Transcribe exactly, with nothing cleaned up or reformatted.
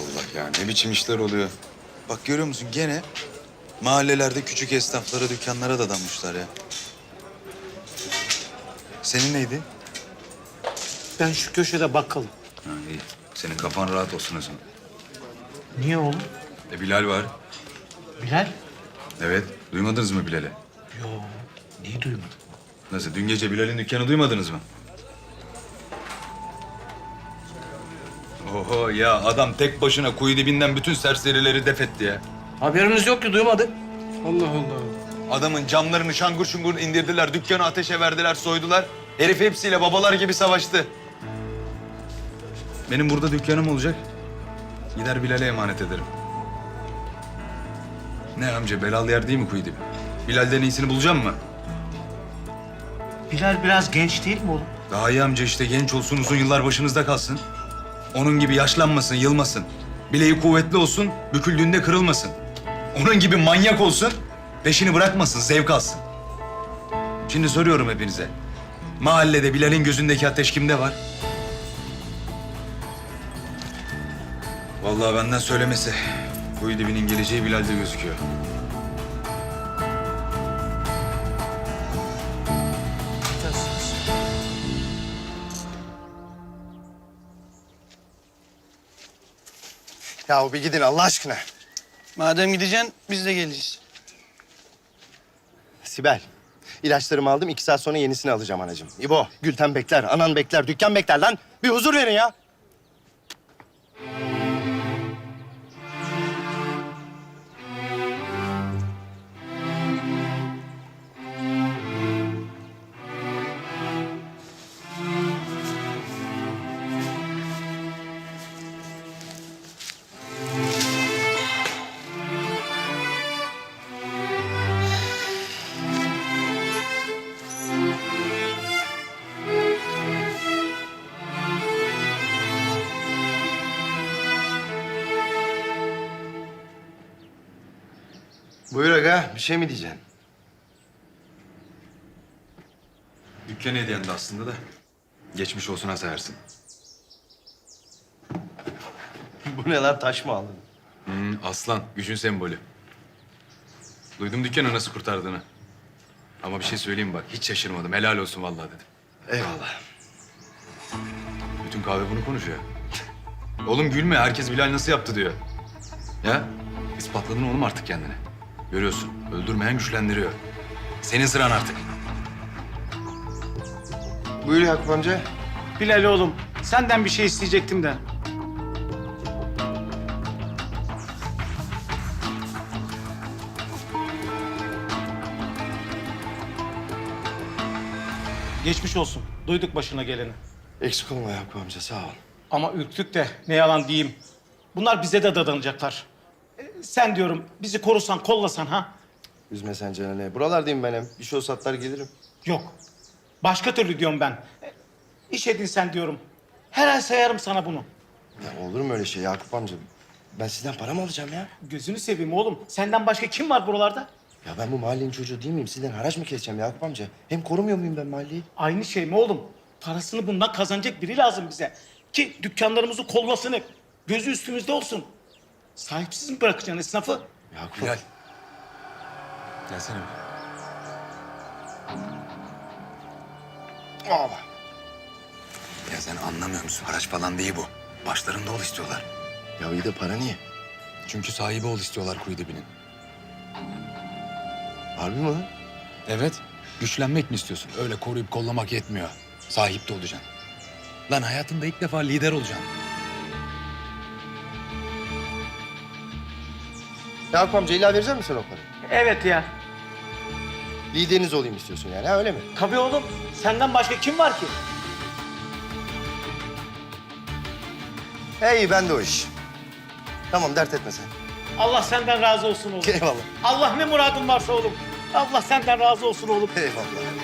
Allah ya, ne biçim işler oluyor. Bak görüyor musun gene mahallelerde küçük esnaflara, dükkanlara dadanmışlar ya. Senin neydi? Ben şu köşede bakkalım. Ha, iyi. Senin kafan rahat olsun o zaman. Niye oğlum? E Bilal var. Bilal? Evet. Duymadınız mı Bilal'i? Yo, niye duymadım? Nasıl? Dün gece Bilal'in dükkanı duymadınız mı? Oho ya, adam tek başına kuyu dibinden bütün serserileri def etti ya. Haberimiz yok ki, duymadık. Allah Allah. Adamın camlarını şangur şungur indirdiler, dükkanı ateşe verdiler, soydular. Herif hepsiyle babalar gibi savaştı. Benim burada dükkanım olacak. Gider Bilal'e emanet ederim. Ne amca, belalı yer değil mi kuyu dibi? Bilal'den iyisini bulacağım mı? Bilal biraz genç değil mi oğlum? Daha iyi amca işte, genç olsun, uzun yıllar başınızda kalsın. Onun gibi yaşlanmasın, yılmasın. Bileği kuvvetli olsun, büküldüğünde kırılmasın. Onun gibi manyak olsun, peşini bırakmasın, zevk alsın. Şimdi soruyorum hepinize. Mahallede Bilal'in gözündeki ateş kimde var? Vallahi benden söylemesi. Kuyu dibinin geleceği Bilal'de gözüküyor. Ya bir gidin Allah aşkına. Madem gideceksin biz de geleceğiz. Sibel, ilaçlarımı aldım. iki saat sonra yenisini alacağım anacığım. İbo, Gülten bekler, anan bekler, dükkan bekler lan. Bir huzur verin ya. Buyur aga, bir şey mi diyeceksin? Dükkan hediyendi aslında da. Geçmiş olsun ha sayarsın. Bu ne lan, taş mı aldın? Hmm, aslan, gücün sembolü. Duydum dükkanı nasıl kurtardığını. Ama bir şey söyleyeyim bak, hiç şaşırmadım. Helal olsun vallahi dedim. Eyvallah. Bütün kahve bunu konuşuyor. Oğlum gülme, herkes Bilal nasıl yaptı diyor. Ya, ispatladın oğlum artık kendini. Görüyorsun, öldürmeyen güçlendiriyor. Senin sıran artık. Buyur Yakup amca. Bilal oğlum, senden bir şey isteyecektim de. Geçmiş olsun. Duyduk başına geleni. Eksik olma Yakup amca, sağ ol. Ama ürktük de ne yalan diyeyim. Bunlar bize de dadanacaklar. E, sen diyorum bizi korusan, kollasan ha? Üzme sen canını. Buralardayım ben hem. Bir şey olsa atlar gelirim. Yok. Başka türlü diyorum ben. E, iş edinsen diyorum. Her ay sayarım sana bunu. Ya olur mu öyle şey Yakup amca? Ben sizden para mı alacağım ya? Gözünü seveyim oğlum. Senden başka kim var buralarda? Ya ben bu mahallenin çocuğu değil miyim? Sizden haraç mı keseceğim Yakup amca? Hem korumuyor muyum ben mahalleyi? Aynı şey mi oğlum? Parasını bundan kazanacak biri lazım bize. Ki dükkanlarımızı kollasın hep. Gözü üstümüzde olsun. Sahipsiz mi bırakacaksın esnafı? Yakup Bilal. Gelsene bir. Aa, Ya sen anlamıyor musun? Haraç falan değil bu. Başlarında ol istiyorlar. ya iyi de para niye? Çünkü sahibi ol istiyorlar kuyu dibinin. Harbi mi lan? Evet. Güçlenmek mi istiyorsun? Öyle koruyup kollamak yetmiyor. Sahip de olacaksın. Lan hayatında ilk defa lider olacaksın. Yakup amca illa verecek misin o parayı? Evet ya. Lideriniz olayım istiyorsun yani, ha öyle mi? Tabii oğlum. Senden başka kim var ki? Hey ben de o iş. Tamam dert etme sen. Allah senden razı olsun oğlum. Eyvallah. Allah ne muradın varsa oğlum. Allah senden razı olsun oğlum. Eyvallah.